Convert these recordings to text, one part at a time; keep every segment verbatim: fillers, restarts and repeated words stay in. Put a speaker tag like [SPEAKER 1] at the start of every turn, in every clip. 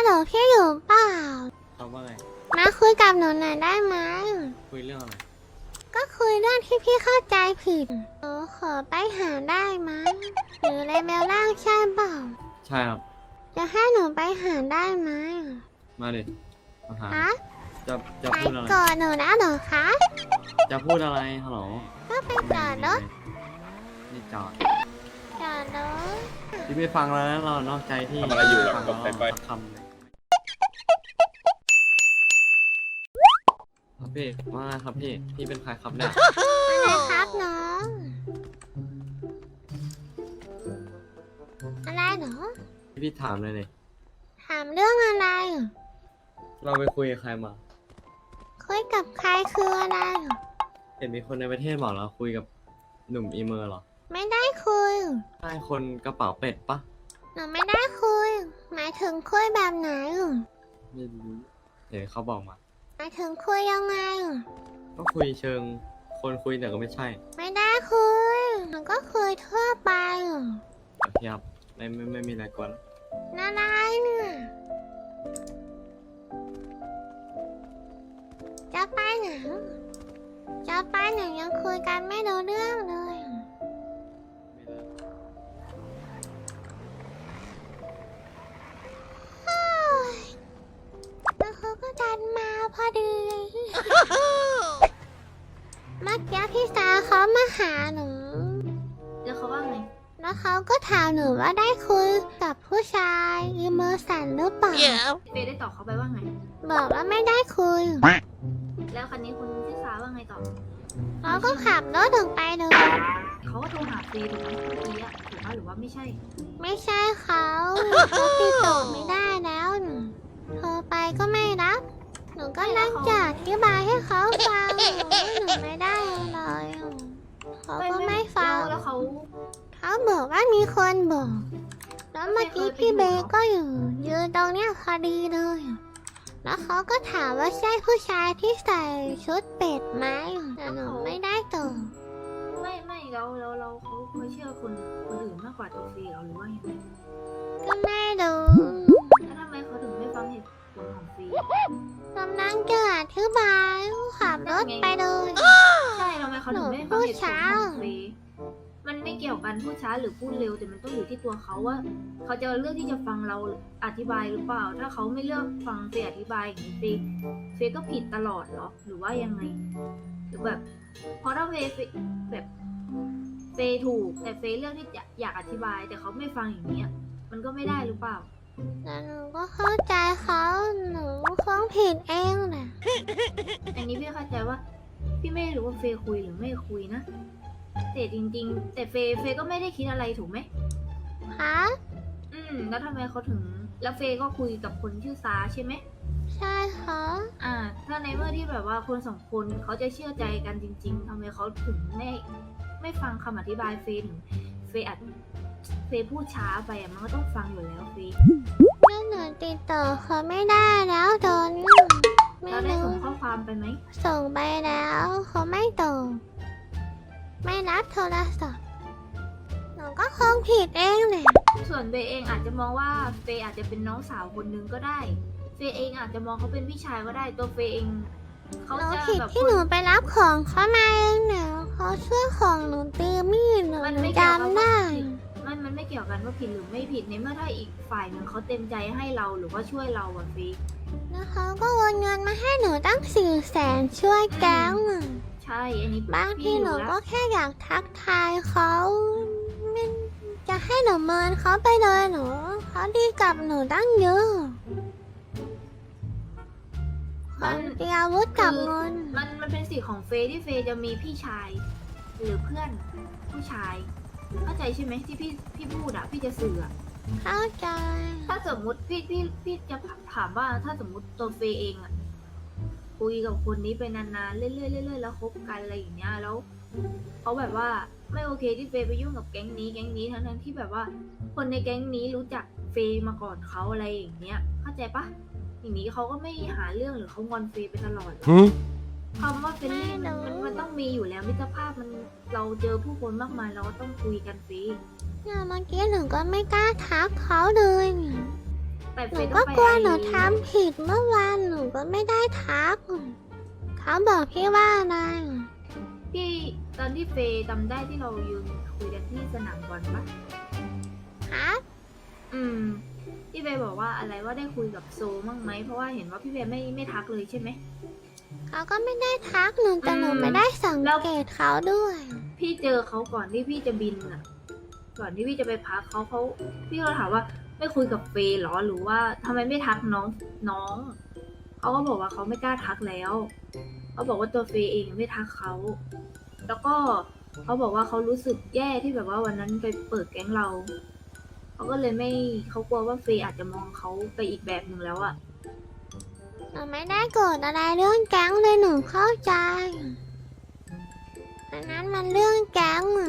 [SPEAKER 1] ลพี่อยู่เปล่า
[SPEAKER 2] เขาว่าไง
[SPEAKER 1] มาคุยกับหนูหน่อยได้ไหม
[SPEAKER 2] คุยเรื่องอะไร
[SPEAKER 1] ก็คุยเรื่องที่พี่เข้าใจผิดหนูขอไปหาได้ไหมหรือเลเวลล่างใช่เปล่า
[SPEAKER 2] ใช่ครับ
[SPEAKER 1] จะให้หนูไปหาได้ไหม
[SPEAKER 2] มาดิมาหา
[SPEAKER 1] ฮะ
[SPEAKER 2] จะจะ
[SPEAKER 1] ไป
[SPEAKER 2] พูดอะไร
[SPEAKER 1] ก่อนหนูนะหนูคะ
[SPEAKER 2] จะพูดอะไรฮัลโหล
[SPEAKER 1] ก็ไปจอดรถ
[SPEAKER 2] นี่จอด
[SPEAKER 1] จอดรถ
[SPEAKER 2] ที่ไม่ฟังแล้วเรานอกใจที่
[SPEAKER 3] ทำอะไรอยู่
[SPEAKER 2] ฟังเราคำเลยครับพี่ว่าครับพี่พี่เป็นใครครับเนี่ย
[SPEAKER 1] อะไรครับน้องอะไรเหรอ
[SPEAKER 2] พี่ถามเลยเลย
[SPEAKER 1] ถามเรื่องอะไร
[SPEAKER 2] เราไปคุยกับใครมา
[SPEAKER 1] คุยกับใครคืออะไร
[SPEAKER 2] เห็นมีคนในประเทศบอกเราคุยกับหนุ่มอีเมอร์หรอ
[SPEAKER 1] ไม่ได้คุย
[SPEAKER 2] ใช่คนกระเป๋าเป็ดปะ
[SPEAKER 1] หนูไม่ได้คุยหมายถึงคุยแบบไหน
[SPEAKER 2] ไม่รู้เห็นเขาบอกมา
[SPEAKER 1] หมายถึงคุยยังไง
[SPEAKER 2] ก็คุยเชิงคนคุยแต่ก็ไม่ใช่
[SPEAKER 1] ไม่ได้คุยหนูก็คุยทั่วไป
[SPEAKER 2] เทียบไม่ไม่ไม่มีอะไรกวน
[SPEAKER 1] น่ารักเนี่ยจะไปไหนจะไปไหนยังคุยกันไม่รู้เรื่องเลยแล้วเขาก็ดันมาพอดีเมื่อกี้พี่สาวเขามาหาหนู
[SPEAKER 4] แล้วเขาว่าไง
[SPEAKER 1] แล้วเขาก็ถามหนูว่าได้คุยกับผู้ชายอีเมอร์สันหรือเปล่า
[SPEAKER 4] เฟย์ได้ตอบเขาไปว่าไง
[SPEAKER 1] บอกว่าไม่ได้คุย
[SPEAKER 4] แล้วคันนี้คุณพี่สาวว่าไงต่อ
[SPEAKER 1] เขาก็ขับรถถึงไปเลย
[SPEAKER 4] เขาก็โทรหาเฟย์ถูกไหมเมื่อกี้อะถูกไหมหรือว่าไม่ใช่
[SPEAKER 1] ไม่ใช่เขาเขาติดต่อไม่ได้แล้วโทรไปก็ไม่รับหนูก็นั่งจัดอธิบายให้เขาฟังว่าหนูไม่ได้เลยเขาก็ไม่ฟัง
[SPEAKER 4] แล้วเขา
[SPEAKER 1] เขาบอกว่ามีคนบอกแล้วเมื่อกี้พี่เบย์ก็อยู่ยืนตรงเนี้ยพอดีเลยแล้วเขาก็ถามว่าใช่ผู้ชายที่ใส่ชุดเป็ดไหมแต่หนูไม่ได้ตอบ
[SPEAKER 4] ไม่ไม่เราเราเราเขาเขาเชื่อคนคนอื่นมากกว่าตัวเฟย์เราหรือว่าอย่างไร
[SPEAKER 1] ก็ไม่รู้
[SPEAKER 4] แล้วทำไมเขาถึงไม่ฟังเหตุผลของเฟย์
[SPEAKER 1] กำลังจะอธิบายขับรถไปเลย
[SPEAKER 4] ใช่ทำไมเขาถึงไม่ฟังเหตุผลของเฟย์มันไม่เกี่ยวกันพูดช้าหรือพูดเร็วแต่มันต้องอยู่ที่ตัวเขาว่าเขาจะเลือกที่จะฟังเราอธิบายหรือเปล่าถ้าเขาไม่เลือกฟังเฟย์อธิบายอย่างนี้เฟย์เฟย์ก็ผิดตลอดเหรอหรือว่ายังไงหรือแบบพอถ้าเฟย์แบบเฟย์ถูกแต่เฟย์เลือกที่จะอยากอธิบายแต่เขาไม่ฟังอย่างนี้มันก็ไม่ได้หรือเปล่า
[SPEAKER 1] แต่หนูก็เข้าใจเขาหนูฟ้องผิดเองแหละ
[SPEAKER 4] อันนี้พี่เข้าใจว่าพี่ไม่รู้ว่าเฟย์คุยหรือไม่คุยนะแต่จริงๆแต่เฟย์เฟย์ก็ไม่ได้คิดอะไรถูกไหม
[SPEAKER 1] คะ
[SPEAKER 4] อืมแล้วทำไมเขาถึงแล้วเฟย์ก็คุยกับคนชื่อซาใช่ไหม
[SPEAKER 1] ใช่ค่ะ
[SPEAKER 4] อ่าถ้าในเมื่อที่แบบว่าคนสองคนเขาจะเชื่อใจกันจริงๆทำไมเขาถึงไม่ไม่ฟังคำอธิบายเฟย์ถึงเฟย์อัดเฟย์พูดช้าไปอ่ะมันก็ต้องฟังอยู่แล้วเฟย์
[SPEAKER 1] แม่หนูติดต่อเขาไม่ได้แล้วตอนนี้
[SPEAKER 4] เราได้ส่งข้อความไปไหม
[SPEAKER 1] ส่งไปแล้วเขาไม่ตอบไม่รับโทรศัพท์หนูก็คงผิดเองแหละ
[SPEAKER 4] ส่วนเฟย์เองอาจจะมองว่าเฟย์อาจจะเป็นน้องสาวคนนึงก็ได้เฟย์เองอาจจะมองเขาเป็นพี่ชายก็ได้ตัวเฟย์เอง
[SPEAKER 1] เขาจะแบบที่หนูไปรับของเขามาเองเนี่ยเขาช่วยของหนูตีมีดหนูจำได้
[SPEAKER 4] มันมันไม่เกี่ยวกันว่าผิดหรือไม่ผิดในเมื่อถ้าอีกฝ่ายหนึ่งเขาเต็มใจให้เราหรือว่าช่วยเราอะเฟย์
[SPEAKER 1] แล้วเขาก็โอนเงินมาให้หนูตั้งสี่แสนช่วยแก๊ง
[SPEAKER 4] ใช่อันนี้
[SPEAKER 1] บางทีหนูก็แค่อยากทักทายเขาไม่จะให้หนูเมินเขาไปเลยหนูเขาดีกับหนูตั้งเยอะมันเตรียมอาวุธกับเงิน
[SPEAKER 4] มันมันเป็นสิทธิ์ของเฟย์ที่เฟย์จะมีพี่ชายหรือเพื่อนผู้ชายเข้าใจใช่ไหมที่พี่พี่พูดอะพี่จะสื่อ
[SPEAKER 1] เข้าใจ
[SPEAKER 4] ถ้าสมมุติพี่พี่พี่จะถามว่าถ้าสมมุติตัวเฟย์เองอะคุยกับคนนี้ไปนานๆเรื่อยๆเรื่อยๆแล้วคบกันอะไรอย่างเงี้ยแล้วเขาแบบว่าไม่โอเคที่เฟย์ไปยุ่งกับแก๊งนี้แก๊งนี้ทั้งๆที่แบบว่าคนในแก๊งนี้รู้จักเฟย์มาก่อนเขาอะไรอย่างเงี้ยเข้าใจปะอย่างนี้เขาก็ไม่หาเรื่องหรือเขางอนเฟย์ไปตลอดคำว่าเฟรนลี่มันมันต้องมีอยู่แล้วมิตรภาพมันเราเจอผู้คนมากมายเราก็ต้องคุยกันเฟย์
[SPEAKER 1] เนี่ยเมื่อกี้หนูก็ไม่กล้าทักเขาเลยเนี่ย
[SPEAKER 4] แต่
[SPEAKER 1] ห
[SPEAKER 4] เฟ
[SPEAKER 1] นู
[SPEAKER 4] ย์ต้
[SPEAKER 1] ก็
[SPEAKER 4] องไป
[SPEAKER 1] กลัว
[SPEAKER 4] ไอ
[SPEAKER 1] หนูทำผิดเมื่อวานหนูก็ไม่ได้ทักเขาบอกพี่ว่าอะไร
[SPEAKER 4] พี่ตอนที่เฟย์จำได้ที่เรายืนคุยกันที่สนามบอลปะ
[SPEAKER 1] ฮะ
[SPEAKER 4] อืมพี่เฟย์บอกว่าอะไรว่าได้คุยกับโซมั่งไหมเพราะว่าเห็นว่าพี่เฟย์ไม่ไม่ทักเลยใช่ไหม
[SPEAKER 1] เขาก็ไม่ได้ทักหนูแต่หนู
[SPEAKER 4] อืม
[SPEAKER 1] ไม่ได้สัง
[SPEAKER 4] แล้ว
[SPEAKER 1] เกตเขาด้วย
[SPEAKER 4] พี่เจอเขาก่อนที่พี่จะบินอ่ะ ก่อนที่พี่จะไปพักเขาเขาพี่ก็ถามว่าไม่คุยกับเฟย์เหรอหรือว่าทำไมไม่ทักน้องน้องเขาก็บอกว่าเขาไม่กล้าทักแล้วเขาบอกว่าตัวเฟย์เองไม่ทักเขาแล้วก็เขาบอกว่าเขารู้สึกแย่ที่แบบว่าวันนั้นไปเปิดแก๊งเราเขาก็เลยไม่เขากลัวว่าเฟย์อาจจะมองเขาไปอีกแบบหนึ่งแล้วอะ
[SPEAKER 1] หนูไม่ได้โกรธอะไรเรื่องแก๊งเลยหนูเข้าใจอันนั้นมันเรื่องแก๊งอะ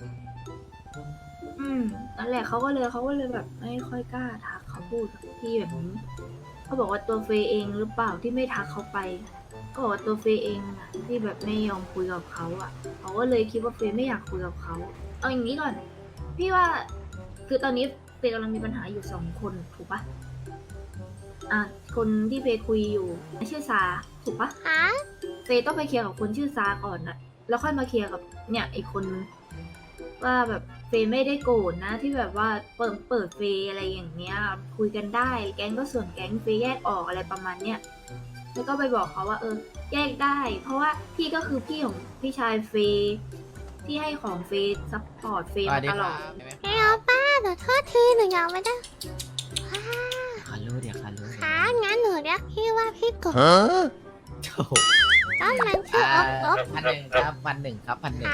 [SPEAKER 4] อืมนั่นแหละเขาก็เลยเขาก็เลยแบบไม่ค่อยกล้าทักเขาพูดกับพี่แบบนี้เขาบอกว่าตัวเฟย์เองหรือเปล่าที่ไม่ทักเขาไปก็บอกว่าตัวเฟย์เองอะที่แบบไม่ยอมคุยกับเขาอ่ะเขาก็เลยคิดว่าเฟย์ไม่อยากคุยกับเขาเอาอย่างนี้ก่อน พี่ว่าคือตอนนี้เฟย์กำลังมีปัญหาอยู่สองคนถูกปะอ่ะคนที่เฟย์คุยอยู่ชื่อซาถูกปะ
[SPEAKER 1] ฮะ
[SPEAKER 4] เฟย์ต้องไปเคลียร์กับคนชื่อซาก่อนนะแล้วค่อยมาเคลียร์กับเนี่ยอีกคนนึงว่าแบบเฟย์ไม่ได้โกรธนะที่แบบว่าเปิดเปิดเฟย์อะไรอย่างเงี้ย คุยกันได้แก๊งก็ส่วนแก๊งเฟย์แยกออกอะไรประมาณเนี้ยแล้วก็ไปบอกเขาว่า เออ แยกได้ เพราะว่าพี่ก็คือพี่ของพี่ชายเฟย์ที่ให้ของเฟย์ซัพพอร์ตเฟย์มาตลอด
[SPEAKER 1] พี่เอาป้าหนูโทษทีหนูยังไม่ได้ฮ่า
[SPEAKER 3] คารู้เดี๋ยวคารู้
[SPEAKER 1] ขางั้นหนูเรียกพี่ว่าพี่กบ
[SPEAKER 3] โถ่
[SPEAKER 1] ต้นมันชื่อ
[SPEAKER 3] อ่า
[SPEAKER 1] อบอบ
[SPEAKER 3] พันหนึ่งครับพันหนึ่งครับพันหนึ่ง
[SPEAKER 1] ขา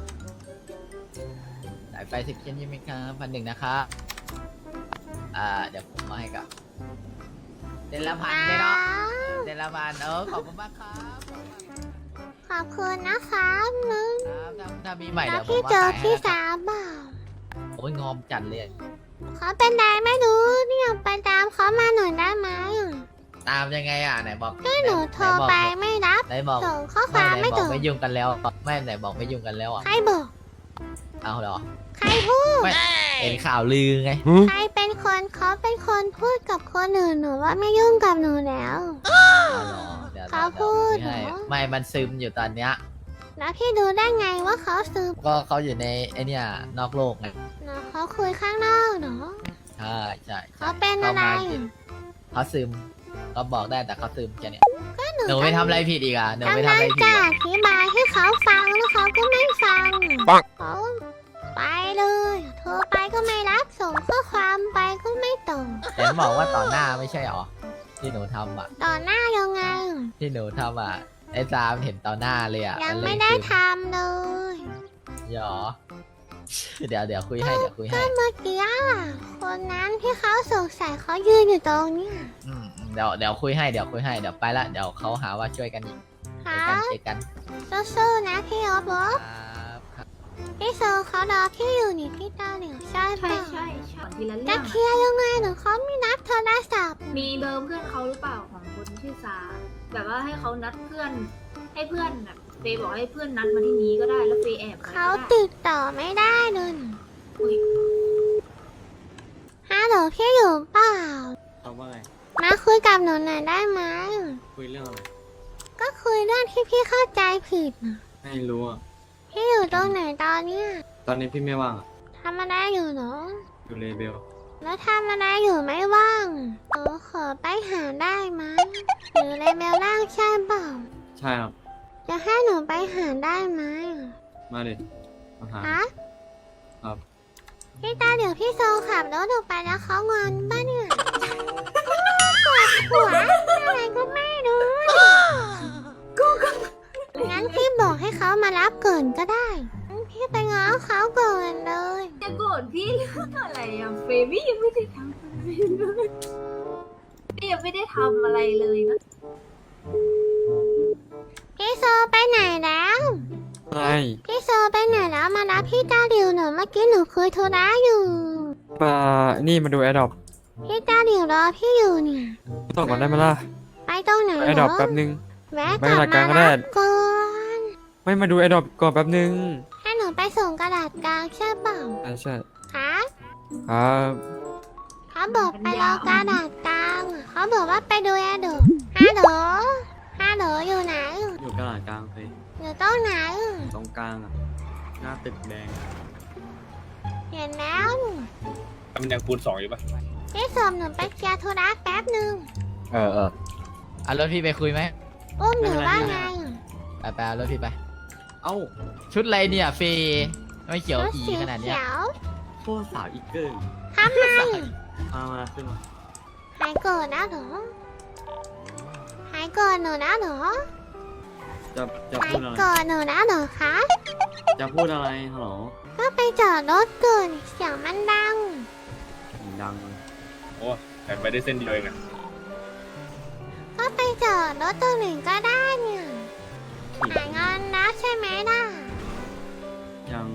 [SPEAKER 3] สายไฟสิบเช่นยี่ไหมครับพันหนึ่งนะครับอ่าเดี๋ยวผมมาให้กับเดอนละพันเดอนเนาะเดอนละพันเออขอบคุณมากครับ
[SPEAKER 1] ขอบคุณนะคะมึง
[SPEAKER 3] ครับถ้าถ้ามีใหม่
[SPEAKER 1] แล้
[SPEAKER 3] เดี๋
[SPEAKER 1] ว
[SPEAKER 3] ยวผม
[SPEAKER 1] พี่
[SPEAKER 3] มา
[SPEAKER 1] เจอ
[SPEAKER 3] ขายให้
[SPEAKER 1] พี่
[SPEAKER 3] นะครับ
[SPEAKER 1] สาวเปล่า
[SPEAKER 3] โอ้ยงอมจัดเลย
[SPEAKER 1] เขาเป็นไรไม่รู้เนี่ยไปตามเขามาหน่อยได้ไหม
[SPEAKER 3] ตามยังไงอ่ะไหนบอก
[SPEAKER 1] ก็หนูโทรไปไม่รับ
[SPEAKER 3] ไหนบอก
[SPEAKER 1] ส่งข้อค
[SPEAKER 3] ไม่
[SPEAKER 1] วาม
[SPEAKER 3] ไหน
[SPEAKER 1] ไม่
[SPEAKER 3] บอ
[SPEAKER 1] ถึ
[SPEAKER 3] ก
[SPEAKER 1] ง
[SPEAKER 3] ไม่ยุ่งกันแล้วไม่ไหนบอกไม่ยุ่งกันแล้วอ่ะ
[SPEAKER 1] ใครบอก
[SPEAKER 3] เอาเหรอ
[SPEAKER 1] ใครพูด
[SPEAKER 3] ไม่เห็นข่าวลือไง
[SPEAKER 1] ใครเป็นคนเขาเป็นคนพูดกับคนอื่นหนูว่าไม่ยุ่งกับหนูแล้ว
[SPEAKER 3] เอาเหรอเดี๋ยว
[SPEAKER 1] เขาพูด
[SPEAKER 3] เยวผมให้
[SPEAKER 1] เหรอ
[SPEAKER 3] ไม่มันซึมอยู่ตอนเนี้ย
[SPEAKER 1] แล้วพี่ดูได้ไงว่าเขาซื้อ
[SPEAKER 3] ก็เขาอยู่ในไอเนี่ยนอกโลกไง
[SPEAKER 1] เนาะเขาคุยข้างนอกเนาะ
[SPEAKER 3] ใช่ใช่
[SPEAKER 1] เขาเป็นอะไร
[SPEAKER 3] ข้ามาเขาซึมเขาบอกได้แต่เขาซึมแค่เนี้ย
[SPEAKER 1] ก็หนู
[SPEAKER 3] หนูไม่ทำอะไรผิดอีกอ่ะหนูไม่
[SPEAKER 1] กำ
[SPEAKER 3] ทำ
[SPEAKER 1] ลั
[SPEAKER 3] อะไร
[SPEAKER 1] ง
[SPEAKER 3] ผิด
[SPEAKER 1] จะ
[SPEAKER 3] อ่ะ
[SPEAKER 1] อธิบายให้เขาฟังแล้วเขาก็ไม่ฟังเขาไปเลยโทรไปก็ไม่รับส่งข้อความไปก็ไม่ตอบ
[SPEAKER 3] เห็นบอกว่าต่อหน้าไม่ใช่หรอที่หนูทำอ่ะ
[SPEAKER 1] ต่อหน้ายังไง
[SPEAKER 3] ที่หนูทำอ่ะไอ้ซามเห็นต่อหน้าเลยอ่ะ
[SPEAKER 1] ยัง
[SPEAKER 3] นเลย
[SPEAKER 1] ไม่ได้
[SPEAKER 3] ซึ
[SPEAKER 1] ทำเลย
[SPEAKER 3] หรอเดี๋ยวเดี๋ยวคุยให้เดี๋ยวคุยให้
[SPEAKER 1] ก็เมื่อกี้อะคนนั้นที่เขาสงสัยเขายืนอยู่ตรงเนี้ย
[SPEAKER 3] อืมเดี๋ยวเดี๋ยวคุยให้เดี๋ยวคุยให้เดี๋ยวไปละเดี๋ยวเขาหาว่าช่วยกันอีกเจ
[SPEAKER 1] ค่ะ
[SPEAKER 3] อกันเจอกัน
[SPEAKER 1] สู้ๆนะพี่อ๊อฟอ๊อฟ
[SPEAKER 3] ครับครับ
[SPEAKER 1] พี่โซเขารอพี่อยู่นี่พี่ตาเหลียวใช่ปะ
[SPEAKER 4] ใช่ใช่ใช่ทีละ
[SPEAKER 1] จะ
[SPEAKER 4] เรื่อง
[SPEAKER 1] เค
[SPEAKER 4] อะ
[SPEAKER 1] ลียร์ยังไงหนูเขาไม่นับโทรศัพท์
[SPEAKER 4] มีเบอร์เพื่อนเขาหรือเปล่าของคนชื่อซาแบบว่าให้เขานัดเพื่อน ให้เพื่อนแบบเฟย์บอกให้เพื่อนนัดมาที่นี้ก็ได้แล้วเฟย์แอบไว้
[SPEAKER 1] เขา
[SPEAKER 4] ก็ได้
[SPEAKER 1] ติดต่อไม่ได้เลย
[SPEAKER 4] อุ๊ย
[SPEAKER 1] ฮัลโหลพี่อยู่เปล่า
[SPEAKER 2] เขาว่าไง
[SPEAKER 1] มาคุยกับหนูหน่อยได้ไหม
[SPEAKER 2] คุยเรื่องอะไร
[SPEAKER 1] ก็คุยเรื่องที่พี่เข้าใจผิดน่ะ
[SPEAKER 2] ไม่รู้อ่ะ
[SPEAKER 1] พี่อยู่ตรงไหนตอนเนี้ย
[SPEAKER 2] ตอนนี้พี่ไม่ว่างอ่ะ
[SPEAKER 1] ทำอะไรอยู่เหรอ
[SPEAKER 2] อยู่เลเบล
[SPEAKER 1] แล้วทำอะไรอยู่ไม่ว่างเออขอไปหาได้ไหมหรือเลเมลล่างใช่เปล่า
[SPEAKER 2] ใช่ครับ
[SPEAKER 1] จะให้หนูไปหาได้ไหม
[SPEAKER 2] มาดิมาหา
[SPEAKER 1] ฮะ
[SPEAKER 2] ครับ
[SPEAKER 1] พี่ตาเดี๋ยวพี่โซขับรถออกไปแล้วเขางอนป่ะเนี่ยปวดหัวอะไรก็ไม่รู้งั้นพี่บอกให้เขามารับก่อนก็ได้งั้นพี่ไปง้อเขาก่อนเลย
[SPEAKER 4] จะโกรธพี่เรื่องอะไรอะเฟย์พี่ยังไม่ได้ทำอะไรเลยพี่ยังไม่ได้ทำอะไรเลยนะ
[SPEAKER 1] พี่โซไปไหนแล้ว
[SPEAKER 5] อะไร
[SPEAKER 1] พี่โซไปไหนแล้วมารับพี่ตาเดียวหนูเมื่อกี้หนูคุยโทรศัพท์อยู่
[SPEAKER 5] มานี่มาดูแอดดอป
[SPEAKER 1] พี่ตาเดียวรอพี่อยู่เนี่ย
[SPEAKER 5] ต่อก่อนได้ไหมล่ะ
[SPEAKER 1] ไปตรงไหน
[SPEAKER 5] แอด
[SPEAKER 1] เห
[SPEAKER 5] ด
[SPEAKER 1] ร
[SPEAKER 5] อ
[SPEAKER 1] อ
[SPEAKER 5] ปแป๊บนึง
[SPEAKER 1] แวะ
[SPEAKER 5] ไป
[SPEAKER 1] กลับ
[SPEAKER 5] รายกาม
[SPEAKER 1] าร
[SPEAKER 5] ก็ได้
[SPEAKER 1] รับก่อน
[SPEAKER 5] ไม่มาดูแอดดอปก่อนแป๊บนึง
[SPEAKER 1] ให้หนูไปส่งกระดาษกลางใช่เปล่า
[SPEAKER 5] ใช่ใช่
[SPEAKER 1] คะ
[SPEAKER 5] ครับ
[SPEAKER 1] เขาบอกไปรอกระดาษกลางเขาบอกว่าไปดูแอดดอฮัลโหลฮัลโหลอยู่ไหน
[SPEAKER 2] อยู่กระดาษกลางเฟย
[SPEAKER 1] อยู่ตรงไหน
[SPEAKER 2] ตรงกลางอ่ะ หน้าตึกแดง
[SPEAKER 1] เห็นแล้ว
[SPEAKER 6] มันยังคูณสองอยู่ปะ
[SPEAKER 1] พี่สมหนูไปเคลียร์ธุระแป๊บหนึ่ง
[SPEAKER 3] เออเออเอารถพี่ไปคุยไหม
[SPEAKER 1] อุ้มหนูว่าไง
[SPEAKER 3] ไปไปเอารถพี่ไป
[SPEAKER 2] เอ้า
[SPEAKER 3] ชุดอะไรเนี่ยเฟย์ไม่เขียว
[SPEAKER 1] รถ
[SPEAKER 3] อี
[SPEAKER 1] สี
[SPEAKER 3] ขนาดเนี้ย
[SPEAKER 1] เขียว
[SPEAKER 2] โคตรสาวอีกเกิน
[SPEAKER 1] ทำไม
[SPEAKER 2] มามาขึ้นมา
[SPEAKER 1] หายโกรธนะเหรอหายโกรธหนูนะเหรอ
[SPEAKER 2] จะจะ
[SPEAKER 1] หาย
[SPEAKER 2] พูดอะไร
[SPEAKER 1] โกรธหนูนะเหรอคะ
[SPEAKER 2] จะพูดอะไรฮัลโหล
[SPEAKER 1] ก็ไปจอดรถเกินเสียงมันดัง
[SPEAKER 2] เสียงดังเลย
[SPEAKER 6] โอ้แต่ไปได้เส้นเดียวเองอะ
[SPEAKER 1] ก็ไปจอดรถตรงไหนก็ได้เนี่ย
[SPEAKER 2] ขี่
[SPEAKER 1] หายงอนแล้วใช่ไหมล่ะ
[SPEAKER 2] ยัง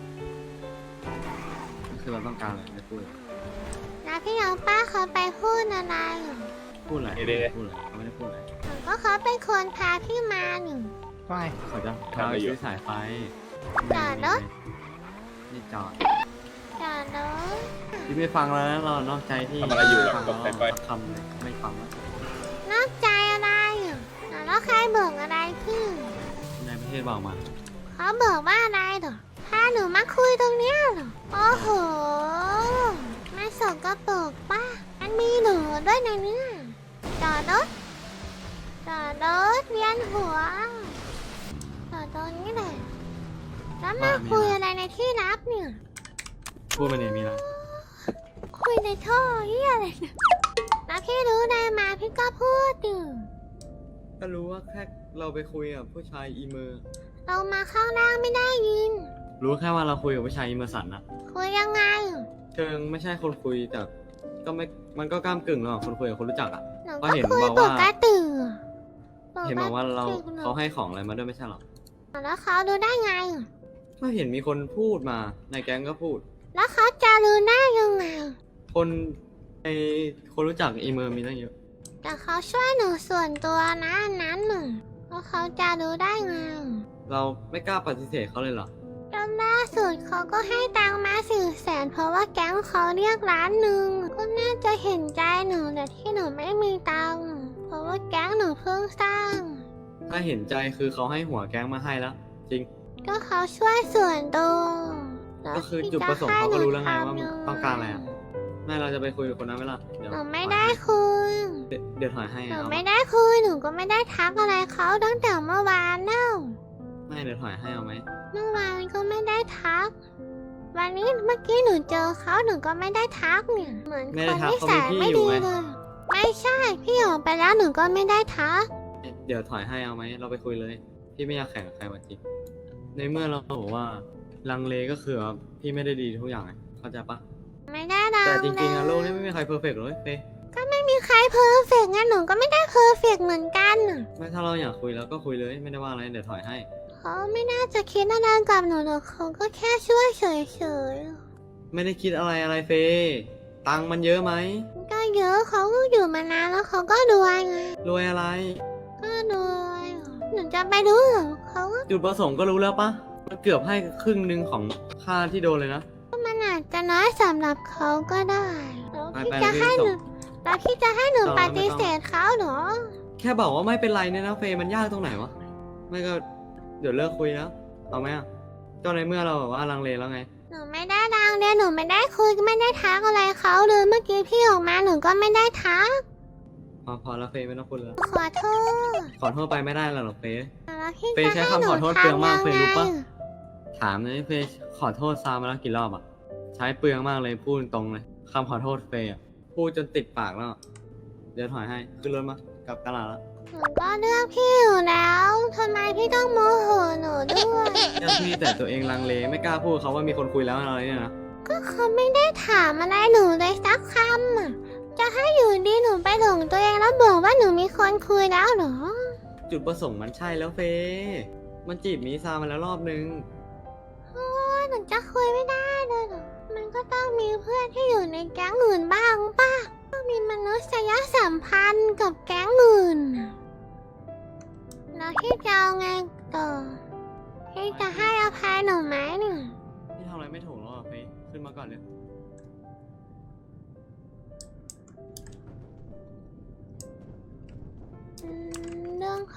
[SPEAKER 2] คือเราต้องการอะไรไม่พูด
[SPEAKER 1] แล้วพี่น้องป้าเขาไปพูดอะไรเหรอ
[SPEAKER 2] พูดอะไรพูดอะไรเขาไม่ได้พูดอะไร
[SPEAKER 1] หนูก็เขาเป็นคนพาพี่มาหนึ่ง
[SPEAKER 3] ไป
[SPEAKER 2] เขาจะพาไปซื้อสายไฟ
[SPEAKER 1] จอดรถ
[SPEAKER 2] นี่จอด
[SPEAKER 1] จอดรถ
[SPEAKER 2] พี่ไม่ฟังแล้วนะเรานอกใจที่
[SPEAKER 6] ทำอะไรอยู่หรอ
[SPEAKER 2] ฟัง
[SPEAKER 6] ตกใจไป
[SPEAKER 2] คำเลยไม่ฟังแล้ว
[SPEAKER 1] นอกใจอะไรอ่ะแล้วใครบอกอะไรพี่
[SPEAKER 2] ในประเทศบอกมา
[SPEAKER 1] เขาบอกว่าอะไรเหรอพาหนูมาคุยตรงเนี้ยเหรอ โอ้โหไม่สกปรกป้ามันมีหนูด้วยในเนี้ยจอดรถจอดรถเวียนหัวจอดตรงนี้เลยแล้วมาคุยอะไรในที่ลับเนี่ย
[SPEAKER 2] พูดไปเนี่ยมีอะไร
[SPEAKER 1] คุยในท่อเหียอะไรเนี่ยแล้วพี่รู้ได้มาพี่ก็พูดอยู่
[SPEAKER 2] ก็รู้ว่าแค่เราไปคุยกับผู้ชายอีเมอร์
[SPEAKER 1] เรามาข้างล่างไม่ได้ยิน
[SPEAKER 2] รู้แค่ว่าเราคุยกับผู้ชายอีเมอร์สันอะ
[SPEAKER 1] คุยยังไง
[SPEAKER 2] เชิงไม่ใช่คนคุยแต่ก็ไม่มันก็กล้ามกึ่งระหว่างคนคุยกับคนรู้จักอะ
[SPEAKER 1] หนู
[SPEAKER 2] ก็
[SPEAKER 1] ก็
[SPEAKER 2] เห็น
[SPEAKER 1] คุย
[SPEAKER 2] บอก
[SPEAKER 1] ป
[SPEAKER 2] ว่า
[SPEAKER 1] กติ
[SPEAKER 2] เห็นบอกว่าเรา
[SPEAKER 1] ปกติ
[SPEAKER 2] เขาให้ของอะไรมาด้วยไม่ใช่หรอ
[SPEAKER 1] แล้วเขารู้ได้ไง
[SPEAKER 2] ก็เห็นมีคนพูดมาในแก๊งก็พูด
[SPEAKER 1] แล้วเขาจะรู้ได้ยังไง
[SPEAKER 2] คนในคนรู้จักอีเมอร์มีตั้งเยอะ
[SPEAKER 1] แต่เขาช่วยหนูส่วนตัวนะอันนั้นหนึ่งแล้วเขาจะรู้ได้ไง
[SPEAKER 2] เราไม่กล้าปฏิเสธเขาเลยเหรอ
[SPEAKER 1] จนล่าสุดเขาก็ให้ตังค์มาสี่แสนเพราะว่าแก๊งเขาเรียกล้านหนึ่งก็น่าจะเห็นใจหนูแต่ที่หนูไม่มีตังค์เพราะว่าแก๊งหนูเพิ่งสร้าง
[SPEAKER 2] ถ้าเห็นใจคือเขาให้หัวแก๊งมาให้แล้ว จริง
[SPEAKER 1] ก็เขาช่วยส่วนตัวแล้ว
[SPEAKER 2] ก็คือ
[SPEAKER 1] ที่
[SPEAKER 2] จุดประสงค์เขาก็รู้แล้วไงว่า
[SPEAKER 1] จะให้หนู
[SPEAKER 2] ต้องการอะไรอะไม่เราจะไปคุยกับคนนั้นไหมล่ะเดี๋ยว
[SPEAKER 1] หนูไม่ได้คุย
[SPEAKER 2] เดี๋ยวเดี๋ยวถอยให้
[SPEAKER 1] หนู
[SPEAKER 2] เอา
[SPEAKER 1] ไม่ได้คุยหนูก็ไม่ได้ทักอะไรเขาตั้งแต่เมื่อวานแล้ว
[SPEAKER 2] ไม่เดี๋ยวถอยให้เอาไหม
[SPEAKER 1] เมื่อวานก็ไม่ได้ทัก วันนี้เมื่อกี้หนูเจอเขาหนูก็ไม่ได้ทักเนี่ย เหมือนคนที่สายไม่ดีเลย ไม่ใช่พี่ออกไปแล้วหนูก็ไม่ได้ทัก
[SPEAKER 2] เดี๋ยวถอยให้เอาไหมเราไปคุยเลย พี่ไม่อยากแข่งกับใครมาจริงในเมื่อเราบอกว่าลังเลก็คือว่าพี่ไม่ได้ดีทุกอย่างไงเข้าใจปะ
[SPEAKER 1] ไม่ได้ดัง
[SPEAKER 2] แต่จริงๆอะ
[SPEAKER 1] เลย
[SPEAKER 2] โลกนี้ไม่มีใครเพอร์เฟกต์เลยเฟ้ย
[SPEAKER 1] ก็ไม่มีใครเพอร์เฟกต์งั้นหนูก็ไม่ได้เพอร์เฟกต์เหมือนกันน่ะ
[SPEAKER 2] ไม่ถ้าเราอยากคุยแล้วก็คุยเลยไม่ได้ว่าอะไรเดี๋ยวถอยให้
[SPEAKER 1] เขาไม่น่าจะคิดอะไรกับหนูหรอกเขาก็แค่ช่วยเฉย
[SPEAKER 2] ไม่ได้คิดอะไรอะไรเฟยตังค์มันเยอะไหม
[SPEAKER 1] ๆก็เยอะเขาก็อยู่มานานแล้วเขาก็รวยไง
[SPEAKER 2] รวยอะไร
[SPEAKER 1] ก็รวยหนูจะไปรู้เหรอเขาก็
[SPEAKER 2] จุดประสงค์ก็รู้แล้วปะมันเกือบให้ครึ่งหนึ่งของค่าที่โดนเลยนะ
[SPEAKER 1] มันอาจจะน้อยสำหรับเขาก็ได้แล้ว
[SPEAKER 2] ไป
[SPEAKER 1] พี่
[SPEAKER 2] ไป
[SPEAKER 1] จะ
[SPEAKER 2] เลย
[SPEAKER 1] ให้หนู
[SPEAKER 2] ส่ง
[SPEAKER 1] แล้วพี่จะให้หนู
[SPEAKER 2] ส่ง
[SPEAKER 1] ป
[SPEAKER 2] แล้วไม่
[SPEAKER 1] ฏิ
[SPEAKER 2] ต้อง
[SPEAKER 1] เสธเขาเหรอ
[SPEAKER 2] แค่บอกว่าไม่เป็นไรเนี่ยนะเฟยมันยากตรงไหนวะ ไม่ก็เดี๋ยวเลิกคุยแล้ว เอาไหมอ่ะก็ในเมื่อเราแบบว่าลังเลแล้วไง
[SPEAKER 1] หนูไม่ได้ดังเดียหนูไม่ได้คุยไม่ได้ทักอะไรเขาเลยเมื่อกี้พี่ออกมาหนูก็ไม่ได้ทัก
[SPEAKER 2] พอพอแล้วเฟยไม่ต้องพูดแล้ว
[SPEAKER 1] ขอโทษ
[SPEAKER 2] ขอโทษไปไม่ได้หรอกเฟย
[SPEAKER 1] แล้วพี่
[SPEAKER 2] เฟย์
[SPEAKER 1] จะ
[SPEAKER 2] ใช้
[SPEAKER 1] ให้
[SPEAKER 2] คำ
[SPEAKER 1] หนู
[SPEAKER 2] ขอโทษเปลืองมาก
[SPEAKER 1] ทำ
[SPEAKER 2] เฟย์รู้
[SPEAKER 1] ยังไง
[SPEAKER 2] ปะ ถามเลยเฟยขอโทษซามาแล้วกี่รอบอ่ะ ใช้เปลืองมากเลยพูดตรงเลยคำขอโทษเฟยอ่ะพูดจนติดปากแล้วอะเดี๋ยวถอยให้ขึ้นรถมากลับตลาดแล้ว
[SPEAKER 1] หนูก็เลือกพี่อยู่แล้วทำไมพี่ต้องโมโหหนูด้วย
[SPEAKER 2] เจ้าพี่แต่ตัวเองลังเลไม่กล้าพูดเขาว่ามีคนคุยแล้วอะไรเนี่ยนะ
[SPEAKER 1] ก็เขาไม่ได้ถามอะไรหนูเลยสักคำอ่ะจะให้อยู่ดีหนูไปหลงตัวเองแล้วบอกว่าหนูมีคนคุยแล้วเหรอ
[SPEAKER 2] จุดประสงค์มันใช่แล้วเฟยมันจีบมีซามาแล้วรอบนึง
[SPEAKER 1] โอ้ยหนูจะคุยไม่ได้เลยเหรอ มันก็ต้องมีเพื่อนที่อยู่ในแก๊งอื่นบ้างป่ะต้องมีมนุษยสัมพันธ์กับแก๊งอื่นน่ะแล้วพี่จะเอาไงต่อพี่จะให้อภัยหนูไหมเนี่ย
[SPEAKER 2] พี่ทำอะไรไม่ถูกแล้วอ่ะเฟยขึ้นมาก่อนเลย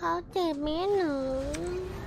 [SPEAKER 1] เขาเจ็บไหมหนู